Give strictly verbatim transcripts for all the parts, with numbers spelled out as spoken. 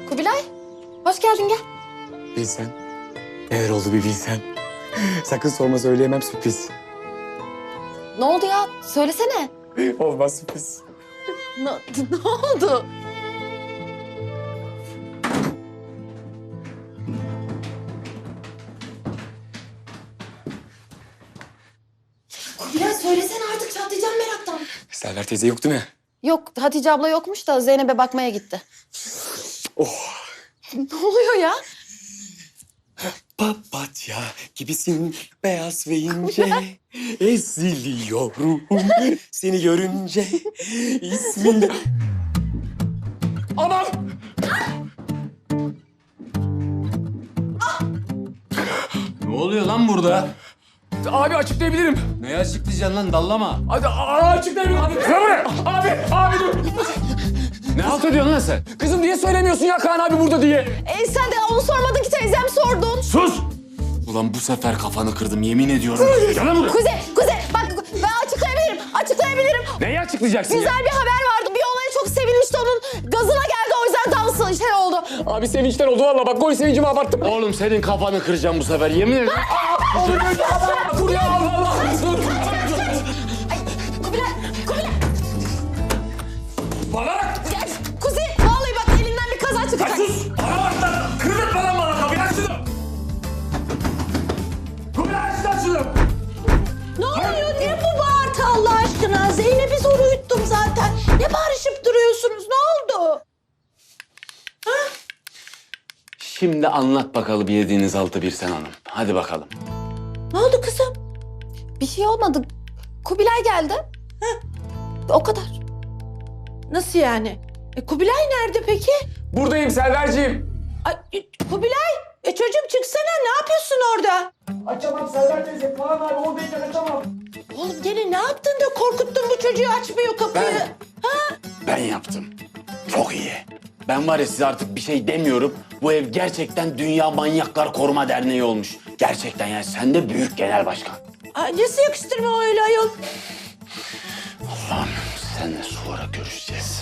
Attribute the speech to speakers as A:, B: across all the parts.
A: Kubilay, hoş geldin gel.
B: Bilsen. Neler oldu bir bilsen. Sakın sorma, söyleyemem, sürpriz.
A: Ne oldu ya? Söylesene.
B: Olmaz, sürpriz.
A: Ne, ne oldu? Kubilay söylesene artık, çatlayacağım meraktan.
B: Server teyze yok değil mi?
A: Yok, Hatice abla yokmuş da Zeynep'e bakmaya gitti.
B: Oh.
A: Ne oluyor ya?
B: Papatya gibisin beyaz ve ince. Eziliyorum seni görünce. İsmin... Anam!
C: Ne oluyor lan burada?
B: Abi açıklayabilirim.
C: Neyi açıklayacaksın lan, dallama.
B: Hadi aa, açıklayabilirim. Abi, abi, abi dur.
C: Ne halt ediyorsun lan sen?
B: Kızım niye söylemiyorsun ya Kaan abi burada diye?
A: E sen de onu sormadın ki, teyzem sordun.
C: Sus! Ulan bu sefer kafanı kırdım, yemin ediyorum. Gel lan buraya.
A: Kuzey, Kuzey bak ben açıklayabilirim, açıklayabilirim.
B: Neyi açıklayacaksın ya?
A: Güzel bir haber vardı. Bir olaya çok sevinmişti, onun gazına geldi, o yüzden dansı şey oldu.
B: Abi sevinçten oldu valla, bak gol sevincimi abarttım.
C: Oğlum senin kafanı kıracağım bu sefer, yemin ederim.
B: Dur ya Allah Allah. Dur.
A: Ay Kubilay, Kubilay.
B: Bana bak.
A: Ya, Kuzey vallahi bak elinden bir kaza çıkacak.
B: Sus. Bana bak lan. Kırdık lan bana kapıyı, aç şunu. Kubilay aç lan şunu.
D: Ne oluyor? Ne bu bağırtı Allah aşkına? Zeynep'i zor uyuttum zaten. Ne bağırışıp duruyorsunuz? Ne oldu?
C: Şimdi anlat bakalım yediğiniz altı bir sen hanım. Hadi bakalım.
D: Ne oldu kızım?
A: Bir şey olmadı. Kubilay geldi. O kadar.
D: Nasıl yani? E, Kubilay nerede peki?
B: Buradayım Selverciğim.
D: Ay, e, Kubilay, e, çocuğum çıksana. Ne yapıyorsun orada?
B: Açamam Selver teyze. Kaan abi oradayken açamam.
D: Oğlum gene ne yaptın da korkuttun bu çocuğu, açmıyor kapıyı?
C: Ben-
D: Ha?
C: Ben yaptım. Çok iyi. Ben var ya size artık bir şey demiyorum. Bu ev gerçekten Dünya Manyaklar Koruma Derneği olmuş. Gerçekten yani sen de büyük genel başkan.
D: Ay, nasıl yakıştırma öyle ayol?
C: Allah'ım seninle sonra görüşeceğiz.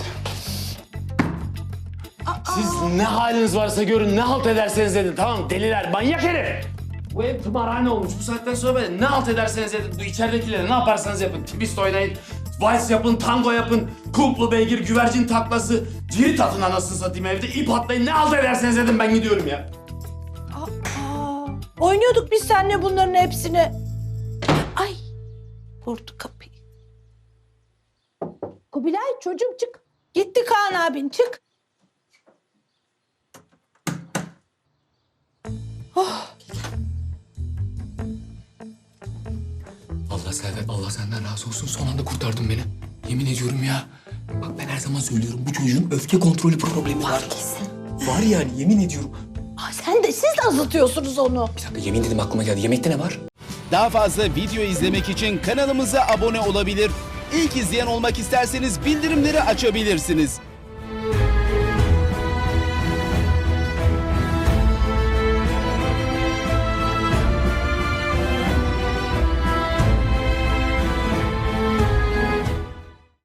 C: Siz ne haliniz varsa görün, ne halt ederseniz edin, tamam mı? Deliler, manyak herif. Bu ev tımarhane olmuş. Bu saatten sonra böyle ne halt ederseniz edin. Bu içeridekilere ne yaparsanız yapın. Twist oynayın, vals yapın, tango yapın. Kulplu beygir, güvercin taklası. Cirit atın anasını satayım evde. İp atlayın, ne halt ederseniz edin, ben gidiyorum ya.
D: Aa, oynuyorduk biz seninle bunların hepsini. Ay, vurdu kapıyı. Kubilay çocuğum çık. Gitti Kaan abin, çık.
B: Allah Selver, Allah senden razı olsun. Son anda kurtardın beni. Yemin ediyorum ya. Bak ben her zaman söylüyorum, bu çocuğun öfke kontrolü problemi var.
A: Kesin.
B: Var yani, yemin ediyorum.
D: Aa, sen de siz de azıtıyorsunuz onu.
B: Bir dakika, yemin dedim aklıma geldi. Yemekte ne var?
E: Daha fazla video izlemek için kanalımıza abone olabilir. İlk izleyen olmak isterseniz bildirimleri açabilirsiniz.